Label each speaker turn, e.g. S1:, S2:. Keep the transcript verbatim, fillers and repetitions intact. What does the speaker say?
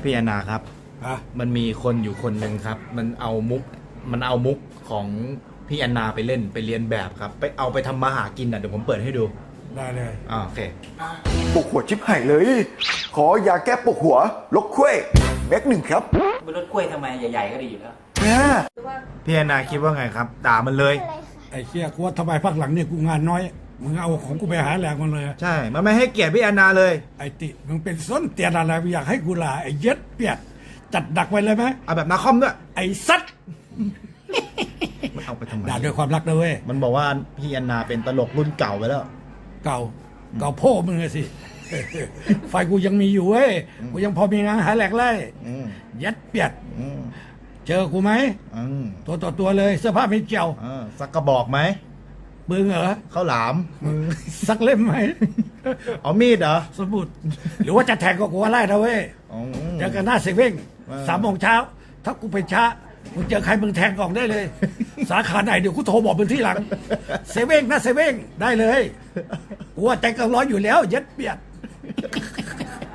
S1: พี่แอนนาครับ
S2: อ่ะ
S1: มันมีคนอยู่คนหนึ่งครับ มันเอามุก มันเอามุกของพี่แอนนาไปเล่นไปเรียนแบบครับ ไปเอาไปทำมาหากินอ่ะเดี๋ยวผมเปิดให้ดู
S2: ได้เลย
S1: อ่าโอเค
S3: ปวดหัวชิบหายเลย ขอยาแก้ปวดหัวลกคุ้ยแม็กหนึ่งครับ
S4: บนรถกล้วยทำไมใหญ่ๆก็ดีอยู่แล้ว
S3: อ่า
S1: พี่แอนนาคิดว่าไงครับ ด่ามันเลย
S2: ไอ้เชี่ยกูว่าทำไมพักหลังเนี่ยกูงานน้อยมึงเอาของกูไปหาแหลกมันเลย
S1: ใช่ มันไม่ให้เกียรติพี่แอนนาเลย
S2: ไอ้ติมึงเป็นส้นเตียนอะไรมึงอยากให้กูลาไอ้เย็ดเปียดจัดดักไว้เลยไหม
S1: เอาแบบนาคอมด้วย
S2: ไอ้ซัด
S1: มันเอาไปทำไม
S2: ด่าด้วยความรักนะเว้ย
S1: มันบอกว่าพี่แอนนาเป็นตลกรุ่นเก่าไปแล้ว
S2: เก่าเก่าพ่อมึงอะสิ ไฟกูยังมีอยู่เว้ยกูยังพอมีงานหาแหลกไล่
S1: อืม
S2: เย็ดเปียด
S1: อืม
S2: เจอกูไหม
S1: อืม
S2: ตัวต่อตัวเลยเสื้อผ้าไม่เจียว
S1: อ่าสักกระบอกไหม
S2: มึงเหรอ
S1: ข้าวหลามมึง
S2: สักเล่มไหม
S1: เอามีดเหรอ
S2: สมุดหรือว่าจะแทงก็กูว่าไล่นะเว้ย
S1: อ๋อ
S2: เจอกันหน้าเซเว่น
S1: เออ
S2: สามโมงเช้า ถ้ากูไปช้ามึงเจอใครมึงแทงกล่องได้เลย สาขาไหนเดี๋ยวกูโทรบอกมึงที่หลัง เซเว่นนะเซเว่นได้เลย กูว่าใจเกันร้อยอยู่แล้ว เย็ดเปียด